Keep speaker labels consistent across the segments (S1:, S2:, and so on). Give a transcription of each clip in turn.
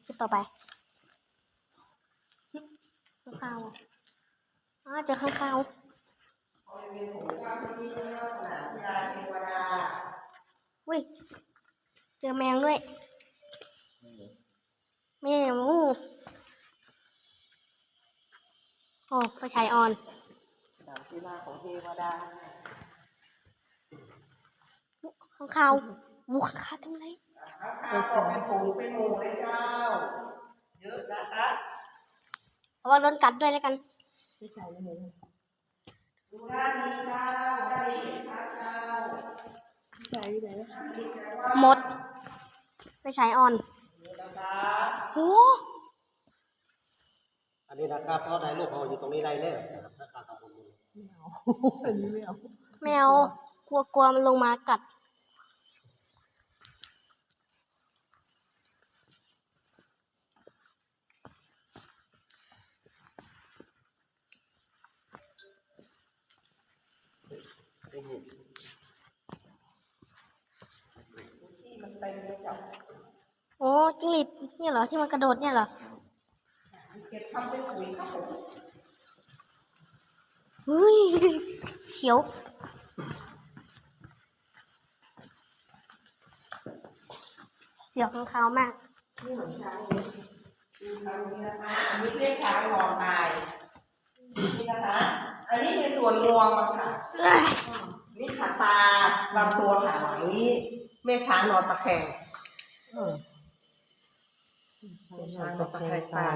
S1: จุดต่อไปข้างคาวเจอข้างคาวอุ้ยเจอแมงด้วยแมวโอ้ไฟฉายออน
S2: กีฬาของเทวดา
S1: ข้างคาววุ้ข้างคาวทำไร
S2: เป็นฝูงเป็นหมู่เลยเจ้าเยอะนะคะ
S1: เอาว่าโดนกัดด้วยแล้วกัน
S2: ไม่ใช่เลยดูด้านนี้เจ้าได้เห็นพระเจ้าใช่ไหม
S1: หมดไฟฉายออนโอ้
S3: อันนี้นะครับเพราะได้ลูกเขาอยู่ตรงนี้ได้เลยนะครับถ้าขาดตรงนี้
S2: ไม่เอาอันนี้ไม่เอา
S1: แมวกลัวมันลงมากัดโอ้จิ้งหรีดเนี่ยเหรอที่มันกระโดดเนี่ยเหรอ
S2: เก็บทำเป็นปุ๋ยครับผม
S1: เฮ้ยเขียวเสียวข้างคาวมาก
S2: นี่เหมือนช้างเลยอันนี้นะคะอันนี้เรียกช้างนอนตายนี่นะคะอันนี้ในส่วนงวงค่ะนี่ขาตาลำตัวขาหลังนี้แม่ช้างนอนตะแคงแม่ช้างนอนตะแคงตาย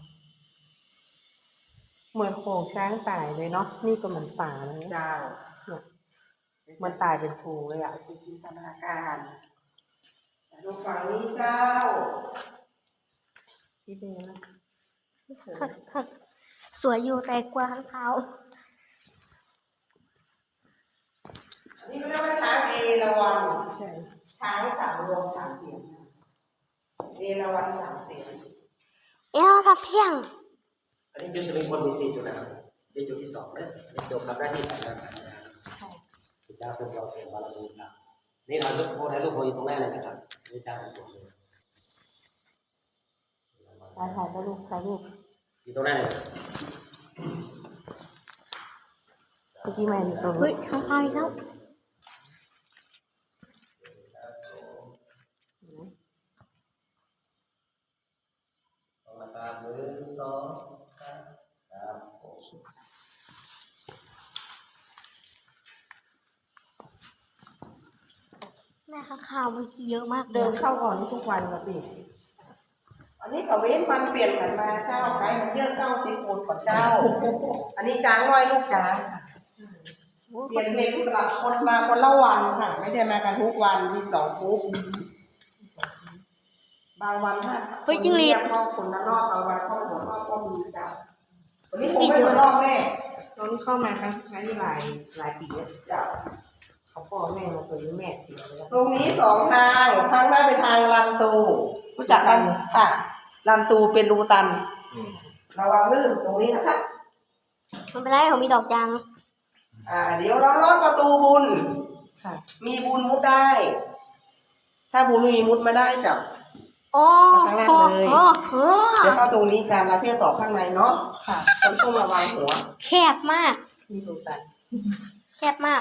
S4: เหมือนโขงช้างตายเลยเนาะนี่ก็เหมือนป่าเลย
S2: เจ้า
S4: มันตายเป็นฟูเลยอ่ะ
S2: จินตนาการดูฝั่งนี้เจ้า
S4: พี่เป็นยังไง
S1: สวยอยู่แต่กลัวข้างคาว
S2: อันนี้เรียกว่าช้างเอราวัณช้างสามรวมสามเสียงเอราวัณสามเสียง
S1: เราทับเที่ยง
S3: อันนี้จุดสลิงคนมี4จุดนะครับในจุดที่2เนี่ยจบกับหน้าที่การงานพระเจ้าทรงเราเสียบารมีครับนี่เราลูกโพได้ลูกโพอยู่ตรงแรกเลยนะครับพระเจ้าเป็นตัวเลย
S4: ถ่ายรูปถ่ายรูป
S3: อยู่ตรงแรกเลย
S4: เมื่อกี้มาอยู่ตรง
S1: เฮ้ยข้างคาวอีกแล้วแม่ข้างคาวเมื่อกี้เยอะมาก
S4: เดินเข้าก่อนทุกวันกับพี่
S2: อันนี้ก็เว้นมันเปลี่ยนกันมาเจ้าใครมันเยอะเจ้าสิโคนของเจ้าอันนี้จ้างร้อยลูกจ้างเปลี่ยนเมนูสลับคนมาคนละวันค่ะไม่ได้มากันทุกวันมี2ทุกบางวันค่ะเข้าคนละรอบบางวันเข้าหัวรอบก็มีเจ้าวันนี้ผมไม่หัวรอบแม่
S4: ตอนนี้เข้ามาครั้งที่หลายปีแล้ว
S2: เจ้า
S4: เขาพ่อแม่มาตัวนี้แม่เสียไปแล้ว
S2: ตรงนี้2ทางทางหน้าเป็นทางลันตูรู้จักกันค่ะลันตูเป็นรูตันระวังลื่นตรงนี้นะคะ
S1: มันเป็นไรผมมีดอกจัง
S2: เดี๋ยวเราลอดประตูบุญมีบุญมุดได้ถ้าบุญไม่มีมุดไม่ได้จับข้างล่างเลยเดี๋ยวเข้าตรงนี้กันแล้วพี่จะต่อข้างในเนาะค่ะต้องระวังหัว
S1: แคบมาก
S4: มีรูตัน
S1: แคบมาก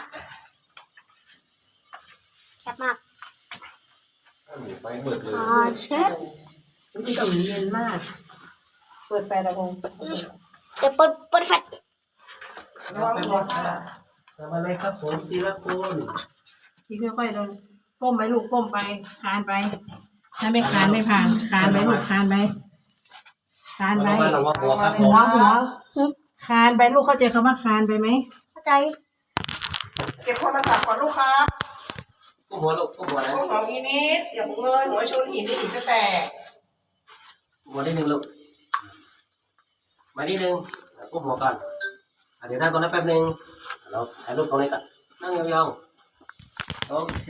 S1: แคบมาก
S3: ไฟมืดเลย
S1: เช็ด
S4: นี่ก็เย็นมากเปิดไฟระวง
S1: เดี๋ยวเปิดไฟ
S2: ระวังหัว
S3: ทำอะไรครับผมทีละคน
S4: พี่ค่อยๆเดินก้มไปลูกก้มไปคานไปถ้าไม่คานไม่ผ่านคานไปลูกคานไปคานไปหัวคานไปลูกเข้าใจคำว่าคานไปไหม
S1: เข้าใจ
S2: เก็บโทรศัพท์ก่อนลูกครับ
S3: กุ้งหัวลูกกุ้งหัวนะ
S2: กุ้งหัวอีนิดอย่าพุ่งเงยหัวชนหินนี่หินจะแตก
S3: หัวนิดนึงลูกมานิดนึงกุ้งหัวก่อนเดี๋ยวนั่งตรงนั้นแป๊บนึงเราถ่ายรูปตรงนี้ก่อนนั่งยองๆโอเค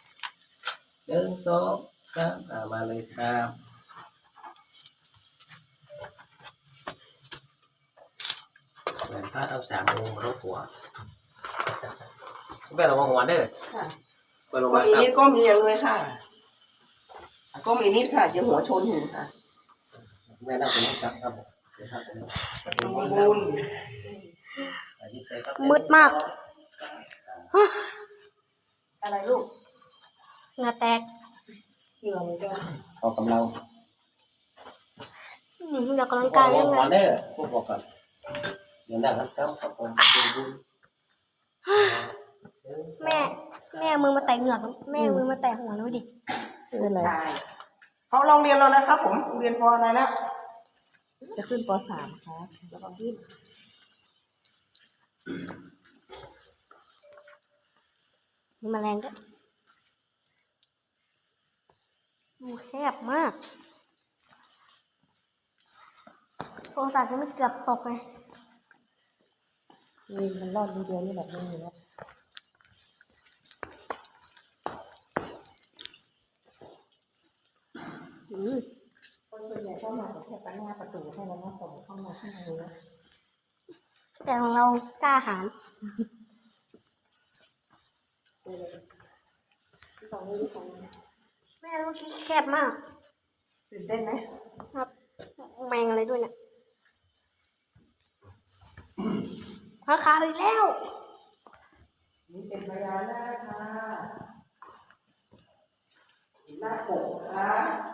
S3: 1 2 3มาเลยครับแหวนพระเอา3 องค์รบหัวแม่ระวังหัวเด้อ
S2: ก้มอีนิดก้มเอียงเลยค่ะก้มอีนิดค่ะอย่าหัวชนหินค่ะ
S3: แม่นั่งตรงนี้ครับผมเดี๋ยวครับผม
S2: ประตูบุญ
S1: มืดมาก
S4: อะไรลูก
S1: เหงื่อแตก
S4: เหงื่อมันจะ
S3: ออกกำลัง
S1: เดี๋ยวกำลังกายยังไง
S3: ก่อนเด้อพวกบอกก่อนเดี๋ยวนั่งครับผม
S1: แม่มือมาแตะเหงือกแม่มือมาแตะหัวแล้วดิ
S4: เป็นไร
S2: ใช่เขาลองเรียนแล้วนะครับผมเรียนพออะไรแล้ว
S4: จะขึ้นป .3 ครับแล้วก็ขึ้น
S1: มีแมลงด้วยแคบมากโทรศัพท์จะไม่เกือบตกเลย
S4: นี่มันรอดทีเดียวนี่แบบนี้อยู่แล้ว คนส่วนใหญ่เข้ามาแค่ปัญหาประตูให้แล้วนะผมเข้ามาข้างในนะ
S1: แต่ของเรากล้าหาญ
S4: ที่สองนี่ที่สอง
S1: แม่เมื่อกี้แคบมาก
S4: ตื่นเต้นไหม
S1: ครับแมงอะไรด้วยเนี่ยข้าวขาวอีกแล้ว
S2: นี่เป็นพญานาคค่ะหน้าปกค่ะ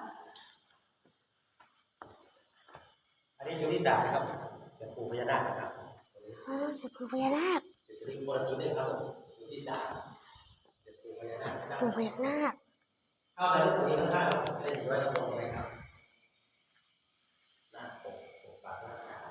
S3: อันนี้อยู่ที่3นะครับเสียงปู่พญานาคนะครับ
S1: เสียงปู่พญานาค
S3: เป็นสิริมงคลตัวนึงครับอยู่ที่3เสียงปู่พญานาคนะครับ
S1: ปู่พญานาค
S3: เข้าใจลูกนี้ข้างๆเล่นอยู่ไว้ตรงไหนครับหน้าปกปากรักษา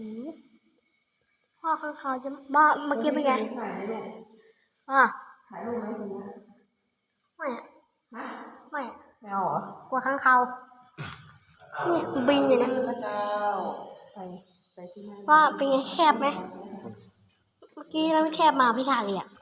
S1: พ่อข้างเขาจะบ้าเมื่อกี้เป็นไง
S4: ถ่ายไหมลูก
S1: อ่ะ
S4: ถ่ายรูปไหมคุณนะ
S1: ไม่อะ
S4: ฮะ
S1: ไม่อะ
S4: ไม่เอาเหรอก
S1: ลัวข้างเขานี่บินอยู่นะ
S2: พระเจ้า
S4: ไปที่นั่น
S1: ว่าเป็นไงแคบไหมเมื่อกี้เราไม่แคบมาพี่ถ่ายเลยอ่ะ